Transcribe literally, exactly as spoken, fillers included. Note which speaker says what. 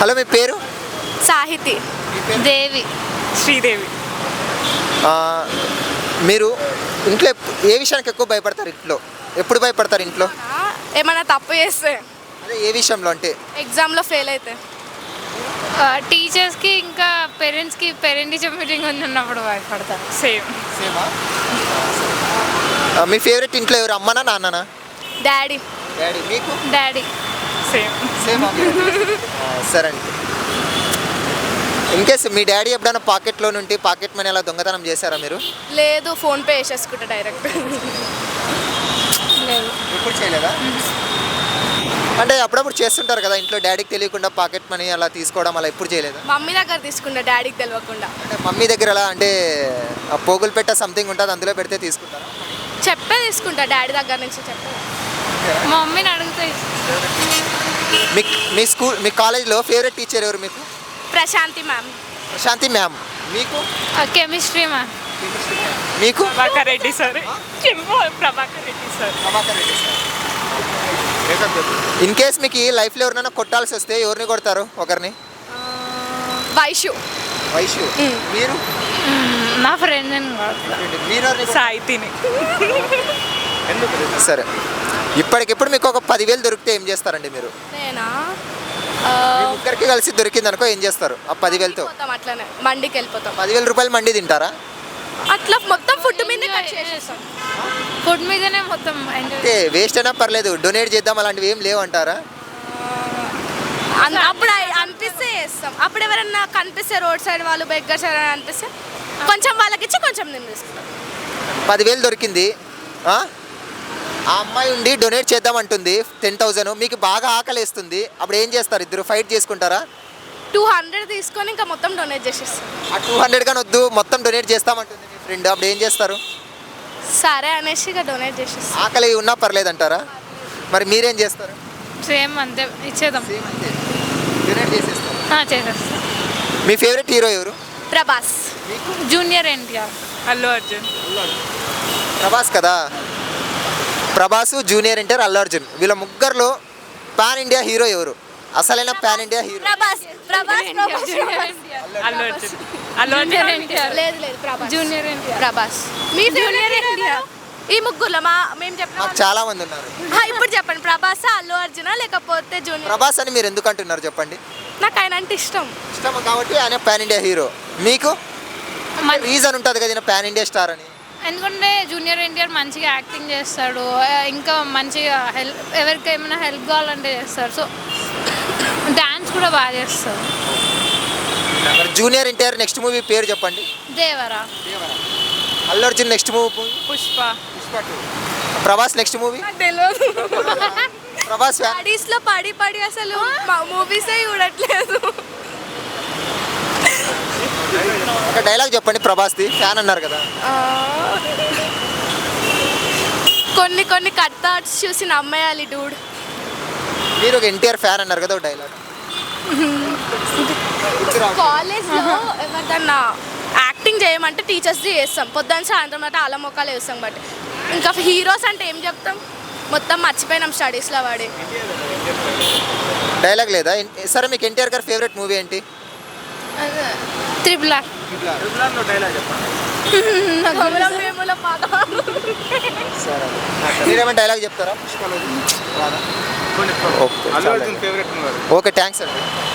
Speaker 1: Hello, మీ పేరు?
Speaker 2: సాహితి.
Speaker 3: దేవి.
Speaker 4: శ్రీదేవి.
Speaker 1: మీరు ఇంట్లో ఏ విషయానికి ఎక్కువ భయపడతారు? ఇంట్లో ఎప్పుడు భయపడతారు? ఇంట్లో
Speaker 2: ఏమైనా తప్పు చేస్తే.
Speaker 1: అదే ఏ విషయంలో? అంటే
Speaker 2: ఎగ్జామ్లో ఫెయిల్ అయితే.
Speaker 3: టీచర్స్కి ఇంకా పేరెంట్స్కి పేరెంట్ టీచర్ మీటింగ్ ఉన్నప్పుడు భయపడతారు.
Speaker 4: సేమ్.
Speaker 1: సేమా? మీ ఫేవరెట్ ఇంట్లో ఎవరు? అమ్మనా నాన్ననా?
Speaker 2: డాడీ.
Speaker 1: డాడీ. మీకు?
Speaker 3: డాడీ.
Speaker 4: సేమ్.
Speaker 1: సేమా? సరే అండి. ఇన్కేస్ మీ డాడీ ఎప్పుడైనా పాకెట్లో నుండి పాకెట్ మనీ అలా దొంగతనం చేశారా మీరు?
Speaker 2: లేదు, ఫోన్పే వేసేసుకుంటా డైరెక్ట్.
Speaker 3: లేదు.
Speaker 1: ఎప్పుడు చేయలేదా? అంటే అప్పుడప్పుడు చేస్తుంటారు కదా ఇంట్లో, డాడీకి తెలియకుండా పాకెట్ మనీ అలా తీసుకోవడం అలా ఎప్పుడు చేయలేదా?
Speaker 2: మమ్మీ దగ్గర తీసుకుంటా, డాడీకి తెలియకుండా.
Speaker 1: అంటే మమ్మీ దగ్గర ఎలా అంటే పోగులు పెట్ట సంథింగ్ ఉంటుంది, అందులో పెడితే తీసుకుంటారా?
Speaker 2: చెప్పే తీసుకుంటా, డాడీ దగ్గర నుంచి చెప్పే.
Speaker 3: మా మమ్మీని అడిగితే
Speaker 1: మీ మీ స్కూల్ మీ కాలేజ్లో ఫేవరెట్ టీచర్ ఎవరు మీకు?
Speaker 2: ప్రశాంతి మ్యామ్.
Speaker 1: ప్రశాంతి మ్యామ్. మీకు?
Speaker 3: Chemistry ma'am.
Speaker 1: మీకు?
Speaker 4: Prabhakar Reddy sir. Prabhakar Reddy sir.
Speaker 1: Prabhakar Reddy sir. In case మీకు లైఫ్లో ఎవరినైనా కొట్టాల్సి వస్తే ఎవరిని కొడతారు? ఒకరిని.
Speaker 2: వైషు.
Speaker 1: వైషు. మీరు?
Speaker 3: నా ఫ్రెండ్.
Speaker 1: మీరు?
Speaker 4: సాహితిని.
Speaker 1: సరే, ఇప్పటికిప్పుడు మీకు ఒక పదివేలు దొరికితే ఏం చేస్తారండి మీరు?
Speaker 2: నేనా?
Speaker 1: ముగ్గురికి కలిసి దొరికింది అనుకో, ఏం చేస్తారు ఆ పదివేలతో?
Speaker 2: అట్లనే మండికి వెళ్ళిపోతాం.
Speaker 1: పదివేల రూపాయలు మండి తింటారా?
Speaker 2: అట్లా మొత్తం ఫుడ్ మీద కట్ చేసేస్తాం.
Speaker 3: ఫుడ్ మీదనే మొత్తం.
Speaker 1: అంటే వేస్ట్ అయినా పర్లేదు, డొనేట్ చేద్దాం అలాంటివి ఏం లేవు అంటారా?
Speaker 2: అప్పుడు అనిపిస్తే చేస్తాం. అప్పుడు ఎవరన్నా కనిపిస్తే రోడ్ సైడ్ వాళ్ళు బెగ్గర్ సైడ్ అని అనిపిస్తే కొంచెం వాళ్ళకి ఇచ్చి కొంచెం నేను తీసుకుంటాం.
Speaker 1: పదివేలు దొరికింది, ఆ అమ్మాయి ఉండి డొనేట్ చేద్దాం అంటుంది టెన్ థౌజండ్, మీకు బాగా ఆకలి వేస్తుంది, అప్పుడు ఏం చేస్తారు? ఇద్దరు ఫైట్ చేసుకుంటారా?
Speaker 2: టూ హండ్రెడ్ తీసుకొని ఇంకా మొత్తం డొనేట్ చేసేస్తాం.
Speaker 1: ఆ టూ హండ్రెడ్ కానీ వద్దు, మొత్తం డొనేట్ చేస్తామంటుంది మీ ఫ్రెండ్, అప్పుడు ఏం చేస్తారు?
Speaker 2: సరే అనేసి ఇక డొనేట్ చేసేస్తాం.
Speaker 1: ఆకలి ఉన్నా పర్లేదు అంటారా? మరి మీరేం చేస్తారు?
Speaker 3: సేమ్ అంతే, ఇచ్చేద్దాం.
Speaker 1: డొనేట్ చేసేస్తారు.
Speaker 3: చేసేస్తాం.
Speaker 1: మీ ఫేవరెట్ హీరో ఎవరు?
Speaker 2: ప్రభాస్.
Speaker 3: జూనియర్ ఎన్టీఆర్.
Speaker 4: అల్లు అర్జున్.
Speaker 1: ప్రభాస్ కదా. ప్రభాస్, జూనియర్ ఎన్టీఆర్, అల్లు అర్జున్, వీళ్ళ ముగ్గురులో పాన్ ఇండియా హీరో ఎవరు? అసలైన pan India hero?
Speaker 2: Prabhas. Prabhas.
Speaker 4: Allu Arjun. Allu Arjun.
Speaker 2: లేదు లేదు ప్రభాస్.
Speaker 3: జూనియర్ ఎన్టీఆర్.
Speaker 2: ప్రభాస్. మీ జూనియర్ ఎన్టీఆర్. ఈ ముగ్గురులో మా మేము చెప్పిన
Speaker 1: నాకు చాలా మంది ఉన్నారు.
Speaker 2: ఇప్పుడు చెప్పండి, ప్రభాస్, అల్లు అర్జున లేకపోతే జూనియర్?
Speaker 1: ప్రభాస్ అని మీరు ఎందుకు అంటున్నారు చెప్పండి?
Speaker 2: నాకు ఆయన అంటే ఇష్టం.
Speaker 1: ఇష్టం కాబట్టి ఆయన పాన్ ఇండియా హీరో. మీకు రీజన్ ఉంటుంది కదా పాన్ ఇండియా స్టార్ అని?
Speaker 3: ఎందుకంటే జూనియర్ ఎన్టీఆర్ మంచిగా యాక్టింగ్ చేస్తాడు, ఇంకా మంచిగా హెల్ప్, ఎవరికి ఏమైనా హెల్ప్ కావాలంటే చేస్తాడు. సో డాన్స్ కూడా బాగా చేస్తాడు.
Speaker 1: జూనియర్ ఎన్టీఆర్ నెక్స్ట్ మూవీ పేరు చెప్పండి.
Speaker 3: Devara.
Speaker 1: Allu Arjun next movie?
Speaker 4: Pushpa.
Speaker 1: Pushpa two. Prabhas next movie?
Speaker 2: తెలియదు.
Speaker 1: ప్రభాస్
Speaker 2: స్టడీస్ లో పడి పడి అసలు మూవీసే చూడట్లేదు.
Speaker 1: ఒక డైలాగ్ చెప్పండి ప్రభాస్ది, ఫ్యాన్ అన్నారు కదా.
Speaker 2: కొన్ని కొన్ని కట్ థాట్స్ చూసి నమ్మేయాలి డూడ్.
Speaker 1: మీరు ఒక ఎన్టీఆర్ ఫ్యాన్ అన్నారు కదా, ఒక డైలాగ్.
Speaker 2: కాలేజ్ లో ఎవరిదన్నా యాక్టింగ్ చేయమంటే టీచర్స్ది చేస్తాం, పొద్దున్న సాయంత్రం అంటే అలా మొక్కలు వేస్తాం. బట్ ఇంకా హీరోస్ అంటే ఏం చెప్తాం, మొత్తం మర్చిపోయినాం స్టడీస్లో వాడి.
Speaker 1: డైలాగ్ లేదా? సరే, మీకు ఎన్టీఆర్ గారి ఫేవరెట్ మూవీ ఏంటి?
Speaker 3: Triple R.
Speaker 1: మీరేమైనా డైలాగ్ చెప్తారా? ఓకే, థ్యాంక్స్ అండి.